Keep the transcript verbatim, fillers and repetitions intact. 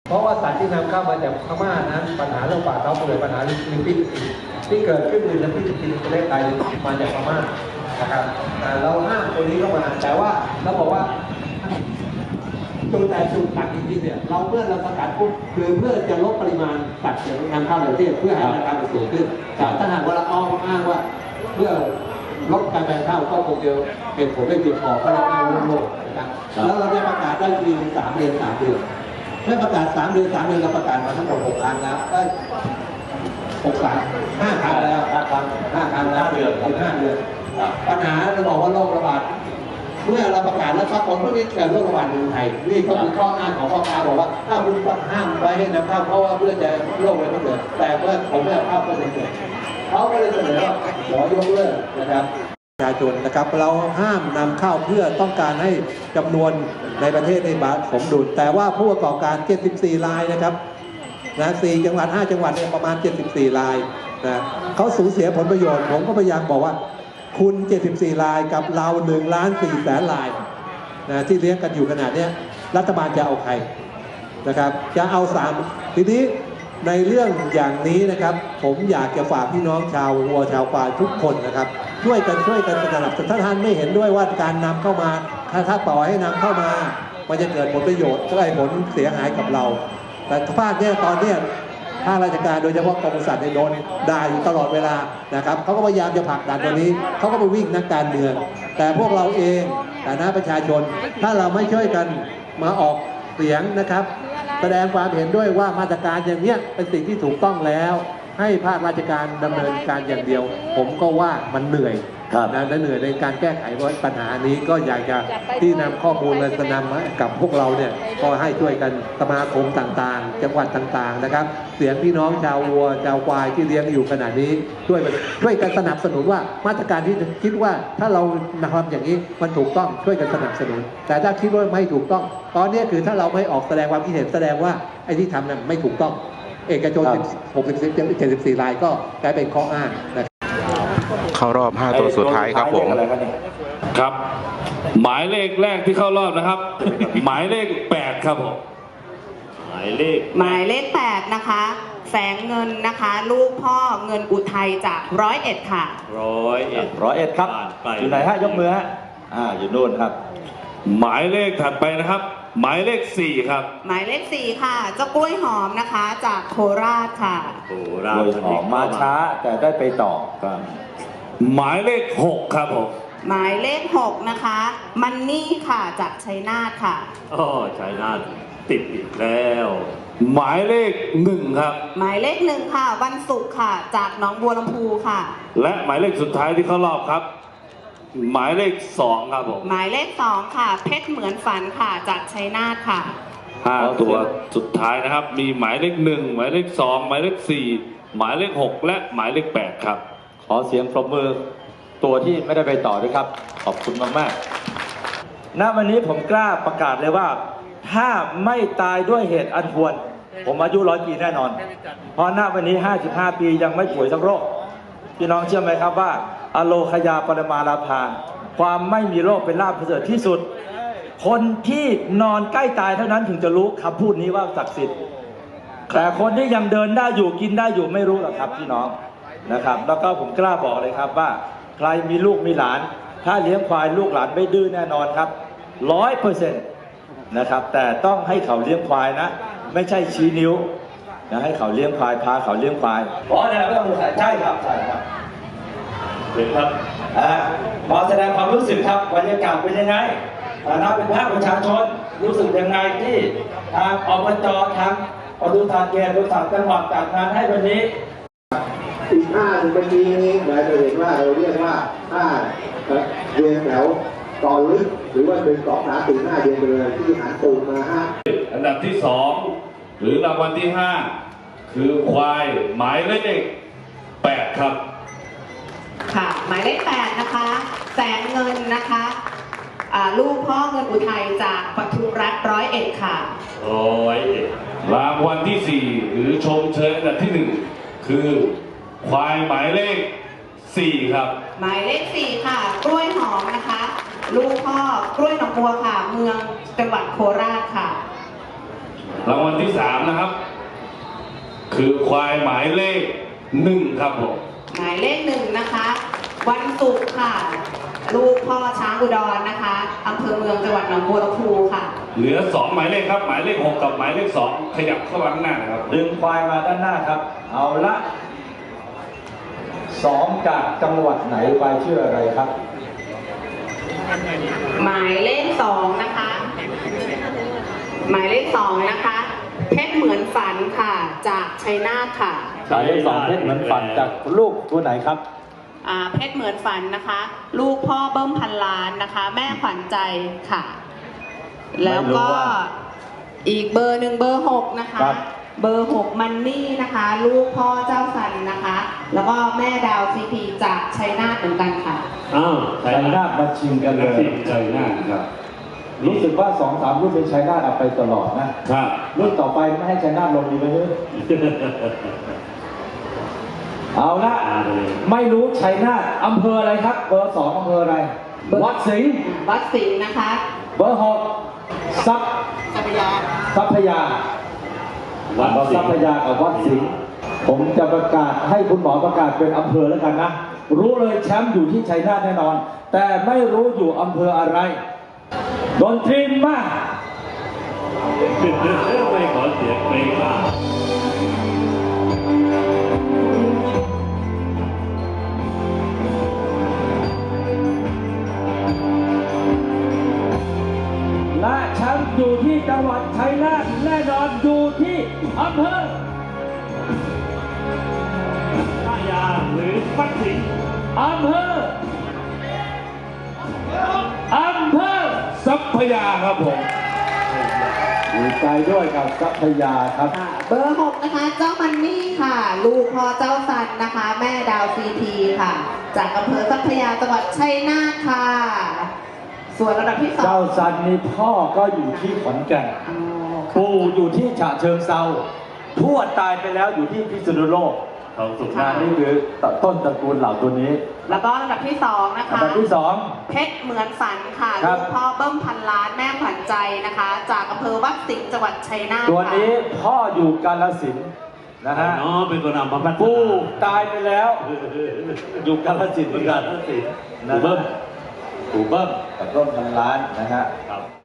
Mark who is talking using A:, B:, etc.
A: เพราะว่าสัตว์ที่นำเข้ามาจากพม่านั้นปัญหาเรื่องป่าเขาเกิดปัญหาลิงปิดที่เกิดขึ้นในประเทศจีนประเทศไทยมาจากพม่านะครับเราห้ามตัวนี้เข้ามาแต่ว่าเราบอกว่าจุดแต่จุดตัดจริงๆเนี่ยเราเมื่อเราสกัดปุ๊บคือเพื่อจะลดปริมาณสัตว์นำเข้าในประเทศเพื่อให้ราคามันสูงขึ้นแต่ถ้าหากว่าเราอ้างอ้างว่าเพื่อลดการแบ่งข้าวก็คงจะเป็นผลได้เพียงพอก็เลยอ้างโลกนะครับแล้วเราได้ประกาศได้ทีสามเดือนสามเดือนเมื่อประกาศสามเดือนสามเดือนเราประกาศมาทั้งหมดหกครั้งแล้วได้หกครั้งห้าครั้งแล้วห้าครั้งห้าครั้งแล้วเดือนสิบห้าเดือนปัญหาเราบอกว่าโรคระบาดเมื่อเราประกาศแล้วปรากฏว่านี่เกิดโรคระบาดในไทยนี่ก็คือข้ออ้างของพ่อค้าบอกว่าถ้าคุณห้ามไว้ให้นำเข้าเพราะว่าเพื่อจะโรคอะไรไม่เกิดแต่เมื่อผมไม่เอาเข้าก็จะเกิดเขาก็เลยเสนอว่าขอยกเลิกนะครับประชาชนนะครับเราห้ามนำเข้าเพื่อต้องการให้จำนวนในประเทศในบาทสมดุลแต่ว่าผู้ประกอบการเจ็ดสิบสี่รายนะครับนะสี่จังหวัดห้าจังหวัดเนี่ยประมาณเจ็ดสิบสี่รายนะเขาสูญเสียผลประโยชน์ผมก็พยายามบอกว่าคุณเจ็ดสิบสี่รายกับเราหนึ่งล้านสี่แสนรายนะที่เลี้ยงกันอยู่ขนาดนี้รัฐบาลจะเอาใครนะครับจะเอาสามทีนี้ในเรื่องอย่างนี้นะครับผมอยากจะฝากพี่น้องชาววัวชาวควายทุกคนนะครับช่วยกันช่วยกันสนับสนุนถ้าท่านไม่เห็นด้วยว่าการนำเข้ามาถ้าถ้าปล่อยให้นำเข้ามามันจะเกิดผลประโยชน์ก็ได้ผลเสียหายกับเราแต่ภาคเนี้ยตอนเนี้ยภาคราชการโดยเฉพาะกรมปศุสัตว์ในโดนด่าอยู่ตลอดเวลานะครับเขาก็พยายามจะผลักดันตัวนี้เขาก็ไปวิ่งนักการเมืองแต่พวกเราเองฐานะประชาชนถ้าเราไม่ช่วยกันมาออกเสียงนะครับแสดงความเห็นด้วยว่ามาตรการอย่างนี้เป็นสิ่งที่ถูกต้องแล้วให้ภาคราชการดำเนินการอย่างเดียวผมก็ว่ามันเหนื่อยนะและเหนื่อยในการแก้ไขปัญหานี้ก็อยากจะที่นำข้อมูลและจะนำกับพวกเราเนี่ยก็ให้ช่วยกันสมาคมต่างๆจังหวัดต่างๆนะครับเสียงพี่น้องชาววัวชาวควายที่เลี้ยงอยู่ขณะนี้ช่วยช่วยกันสนับสนุนว่ามาตรการที่คิดว่าถ้าเราทำอย่างนี้มันถูกต้องช่วยกันสนับสนุนแต่ถ้าคิดว่าไม่ถูกต้องตอนนี้คือถ้าเราไม่ออกแสดงความคิดเห็นแสดงว่าไอ้ที่ทำนั้นไม่ถูกต้องเอกชนหกสิบ เจ็ดสิบสี่รายก็กลายเป็นข้ออ้างนะครับ
B: เข้ารอบห้าตัวสุดท้ายครับผม
C: ครับหมายเลขแรกที่เข้ารอบนะครับ หมายเลขแปดครับผมหมายเลข
D: หมายเลขแปดนะคะแสงเงินนะคะลูกพ่อเงินอุทัยจากร้อยเอ็ดค่ะ
C: ร้อยเอ็ด
E: ร้อยเอ็ดครับอยู่ไหนฮะยกมือฮะอ่าอยู่โน่นครับ
C: หมายเลขถัดไปนะครับหมายเลขสี่ครับ
D: หมายเลขสี่ค่ะเจ้ากล้วยหอมนะคะจากโคราชค่ะ
E: โคราชกล้วยหอมมาช้าแต่ได้ไปต่อครับ
C: หมายเลขหกครับผม
D: หมายเลขหกนะคะมันนี่ค่ะจากชัยนาทค่ะ
C: อ๋อชัยนาทติดอีกแล้วหมายเลขหนึ่งครับ
D: หมายเลขหนึ่งค่ะวันศุกร์ค่ะจากหนองบัวลำพูค่ะ
C: และหมายเลขสุดท้ายที่เข้ารอบครับหมายเลขสองครับผม
D: หมายเลขสองค่ะเพชรเหมือนฝันค่ะจากชัยนาทค่ะ
C: ห้าตัวสุดท้ายนะครับมีหมายเลขหนึ่งหมายเลขสองหมายเลขสี่หมายเลขหกและหมายเลขแปดครับ
E: ขอเสียงปรบมือตัวที่ไม่ได้ไปต่อด้วยครับขอบคุณมากๆณวันนี้ผมกล้าประกาศเลยว่าถ้าไม่ตายด้วยเหตุอันควรผมอายุร้อยปีแน่นอนเพราะณวันนี้ห้าสิบห้าปียังไม่ป่วยสักโรคพี่น้องเชื่อไหมครับว่าอโลคยาปรมาลาภาความไม่มีโรคเป็นลาภประเสริฐที่สุดคนที่นอนใกล้ตายเท่านั้นถึงจะรู้คำพูดนี้ว่าศักดิ์สิทธิ์แต่คนที่ยังเดินได้อยู่กินได้อยู่ไม่รู้หรอกครับพี่น้องนะครับแล้วก็ผมกล้าบอกเลยครับว่าใครมีลูกมีหลานถ้าเลี้ยงควายลูกหลานไม่ดื้อแน่นอนครับร้อยเปอร์เซ็นต์นะครับแต่ต้องให้เขาเลี้ยงควายนะไม่ใช่ชี้นิ้วนะให้เขาเลี้ยงควายพาเขาเลี้ยงควายอ๋อเนี่ยไม่ต้องสงสัยใช่ครับใช่ครับ
C: เห็นครับ
E: อ่าขอแสดงความรู้สึกครับบรรยากาศเป็นยังไงฐานะเป็นภาคประชาชนรู้สึกยังไงที่ทางอบจทางปศุสัตว์เขตปศุสัตว์จังหวัดจัดงานให้วันนี้
A: อีกห้าเมื่อกี้นี้หมายถึงว่าเราเรียกว่าห้าเรียงแถวตอนลึกหรือว่าเป็นสองสามสี่ห้าเรียงไปเลยที่หารตูนมาห้า
C: อันดับที่สองหรือรางวัลที่ห้าคือควายหมายเลขแปดครับ
D: ค่ะหมายเลขแปดนะคะแสงเงินนะคะลูกพ่อเงินอุทัยจากปทุมรัฐร้อยเอ็ดค่ะ
C: ร้อยเอ็ดรางวัลที่สี่หรือชมเชยอันดับที่หนึ่งคือควายหมายเลขสี่ครับ
D: หมายเลขสี่ค่ะกล้วยหอมนะคะลูกพ่อกล้วยหนองบัวค่ะเมืองจังหวัดโคราชค่ะ
C: รางวัลที่สามนะครับ คือควายหมายเลขหนึ่งครับผม
D: หมายเลขหนึ่งนะคะ วันศุกร์ค่ะ ลูกพ่อช้างอุดรนะคะอำเภอเมืองจังหวัดหนองบัวลำพูค่ะ
C: เหลือสองหมายเลขครับ หมายเลขหกกับหมายเลขสองขยับเข้ามาข้างหน้านะครับ
E: ดึงควายมาด้านหน้าครับ เอาละสองจากจังหวัดไหนไปชื่ออะไรครับ
D: หมายเลขสองนะคะ หมายเลขสองนะคะ เพชรเหมือนฝันค่ะจากชัยนาทค่ะ
E: หมายเลขสองเพชรเหมือนฝันจากลูกตัวไหนครับ
D: อ่าเพชรเหมือนฝันนะคะ ลูกพ่อเบิ้มพันล้านนะคะ แม่ขวัญใจค่ะ แล้วก็อีกเบอร์หนึ่งเบอร์หกนะคะ
E: ครับ
D: เบอร์หกมันนี่นะคะ ลูกพ่อเจ้าสันนะคะ แล้วก็แม่ดาวซีพีจากชัยนาทเหมือนกันค่ะ
C: อ้าว
E: ชัยนาทมาชิงกันเลย
C: ใจหน้าครับ
E: รู้สึกว่าสองสามรุ่นเป็นชัยนาทเอาไปตลอดนะครับ รุ่นต่อไปไม่ให้ชัยนาทลงดีไหมเฮ้ย เอาละไม่รู้ชัยนาทอำเภออะไรครับ เบอร์สองอำเภออะไร วัดสิงห์
D: วัดสิงห์นะคะ
E: เบอร์หกซับ
D: จักรยาน
E: ทรัพยา
C: วัดสิงห์
E: ทรัพยากับวัดสิงห์ผมจะประกาศให้คุณหมอประกาศเป็นอำเภอแล้วกันนะ รู้เลยแชมป์อยู่ที่ชัยนาทแน่นอน แต่ไม่รู้อยู่อำเภออะไรดนตรีมาก
C: ไม่ขอเสียงเพลงมาก
E: และแชมป์อยู่ที่จังหวัดชัยนาทแน่นอนอยู่ที่อำเภอ
C: ท่ายางหรือวัดสิงห์
E: อำเภออำเภอ
C: ทรัพยาครับผม
E: ดีใจด้วยกับทรัพยาครับ
D: ค่ะเบอร์หกนะคะ เจ้ามันนี่ค่ะ ลูกพ่อเจ้าสันนะคะ แม่ดาวซีพีค่ะ จากอำเภอทรัพยาจังหวัดชัยนาทค่ะ ส่วนระดับที่สอง
E: เจ้าซันนี่พ่อก็อยู่ที่ขอนแก่น
D: อ๋อค่ะ
E: ปู่อยู่ที่ฉะเชิงเซาทวดตายไปแล้วอยู่ที่พิษณุโลก
C: เขาสุข
E: งานนี่คือต้นตระกูลเหล่าตัวนี้
D: แล้วก็ระดับที่สองนะ
E: อัน
D: คะ
E: ดับที่สอง
D: เพชรเหมือนฝันค่ะ
E: ครั
D: ลู
E: บ
D: กพ่อเบิ้มพันล้านแม่ขวัญใจนะคะ จากอำเภอวัดสิงห์จังหวัดชัยนาท
E: ตัวนี้
D: ค่ะ
E: พ่ออยู่กาฬสินธุ์นะฮะ
C: น้องเป็นคนนำมาพัฒนา
E: ปู่ตายไปแล้ว อยู่กาฬสินธุ์เหมือนกัน
C: ปู่
E: นะ
C: เบิ้ม
E: ปู่เบิ้มกับต้นพันล้านนะฮะ